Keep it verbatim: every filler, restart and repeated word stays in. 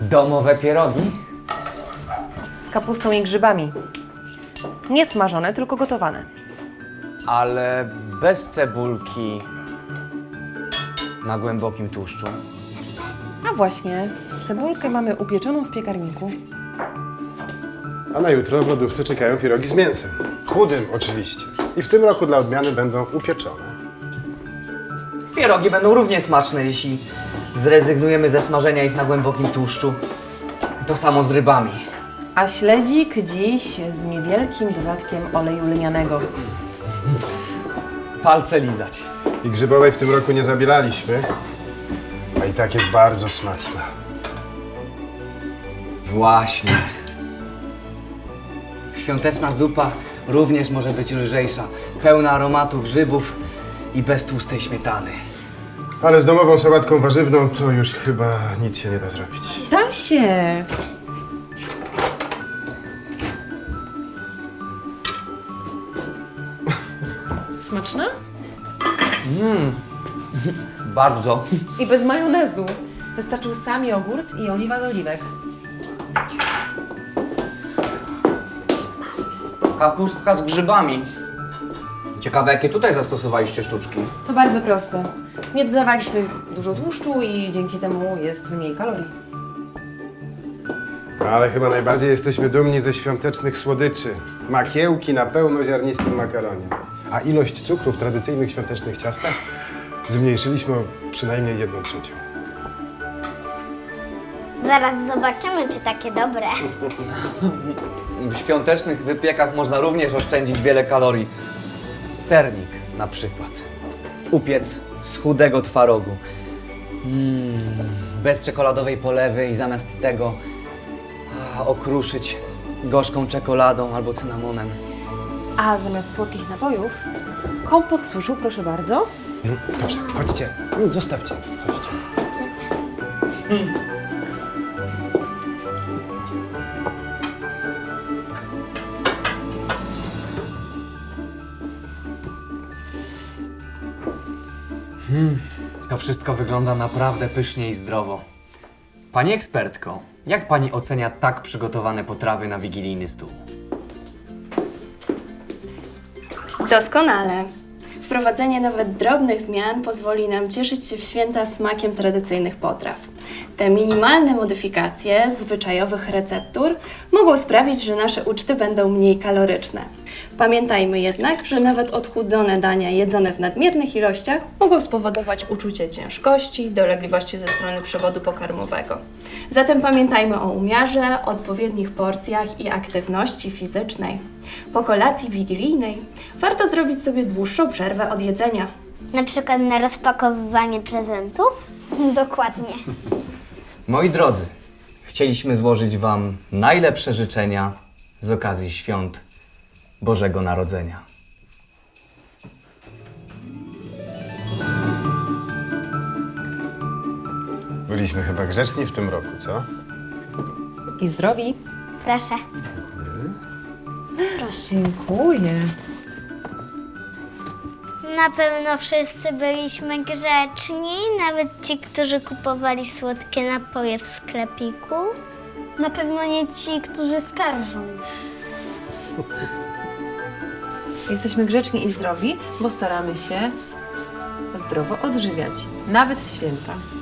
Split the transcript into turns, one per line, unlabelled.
Domowe pierogi?
Z kapustą i grzybami. Nie smażone, tylko gotowane.
Ale bez cebulki. Na głębokim tłuszczu.
A właśnie, cebulkę mamy upieczoną w piekarniku.
A na jutro w lodówce czekają pierogi z mięsem. Chudym oczywiście. I w tym roku dla odmiany będą upieczone.
Pierogi będą równie smaczne, jeśli zrezygnujemy ze smażenia ich na głębokim tłuszczu. To samo z rybami.
A śledzik dziś z niewielkim dodatkiem oleju lnianego.
Palce lizać.
I grzybowej w tym roku nie zabielaliśmy. A i tak jest bardzo smaczna.
Właśnie. Świąteczna zupa również może być lżejsza, pełna aromatu grzybów i bez tłustej śmietany.
Ale z domową sałatką warzywną to już chyba nic się nie da zrobić.
Da się! Smaczna?
Bardzo.
I bez majonezu. Wystarczył sam jogurt i oliwa z oliwek.
Kapustka z grzybami. Ciekawe, jakie tutaj zastosowaliście sztuczki.
To bardzo proste. Nie dodawaliśmy dużo tłuszczu i dzięki temu jest mniej kalorii.
Ale chyba najbardziej jesteśmy dumni ze świątecznych słodyczy. Makiełki na pełnoziarnistym makaronie. A ilość cukru w tradycyjnych świątecznych ciastach zmniejszyliśmy o przynajmniej jedną trzecią.
Zaraz zobaczymy, czy takie dobre.
W świątecznych wypiekach można również oszczędzić wiele kalorii. Sernik na przykład. Upiec z chudego twarogu. Mm, bez czekoladowej polewy i zamiast tego a, okruszyć gorzką czekoladą albo cynamonem.
A zamiast słodkich napojów, kompot z suszu, proszę bardzo.
Dobrze, chodźcie. Nie, zostawcie. Chodźcie.
To wszystko wygląda naprawdę pysznie i zdrowo. Pani ekspertko, jak pani ocenia tak przygotowane potrawy na wigilijny stół?
Doskonale. Wprowadzenie nawet drobnych zmian pozwoli nam cieszyć się w święta smakiem tradycyjnych potraw. Te minimalne modyfikacje zwyczajowych receptur mogą sprawić, że nasze uczty będą mniej kaloryczne. Pamiętajmy jednak, że nawet odchudzone dania jedzone w nadmiernych ilościach mogą spowodować uczucie ciężkości, dolegliwości ze strony przewodu pokarmowego. Zatem pamiętajmy o umiarze, odpowiednich porcjach i aktywności fizycznej. Po kolacji wigilijnej warto zrobić sobie dłuższą przerwę od jedzenia.
Na przykład na rozpakowywanie prezentów? Dokładnie.
Moi drodzy, chcieliśmy złożyć wam najlepsze życzenia z okazji świąt Bożego Narodzenia.
Byliśmy chyba grzeczni w tym roku, co?
I zdrowi.
Proszę.
Dziękuję.
Na pewno wszyscy byliśmy grzeczni, nawet ci, którzy kupowali słodkie napoje w sklepiku. Na pewno nie ci, którzy skarżą.
Jesteśmy grzeczni i zdrowi, bo staramy się zdrowo odżywiać, nawet w święta.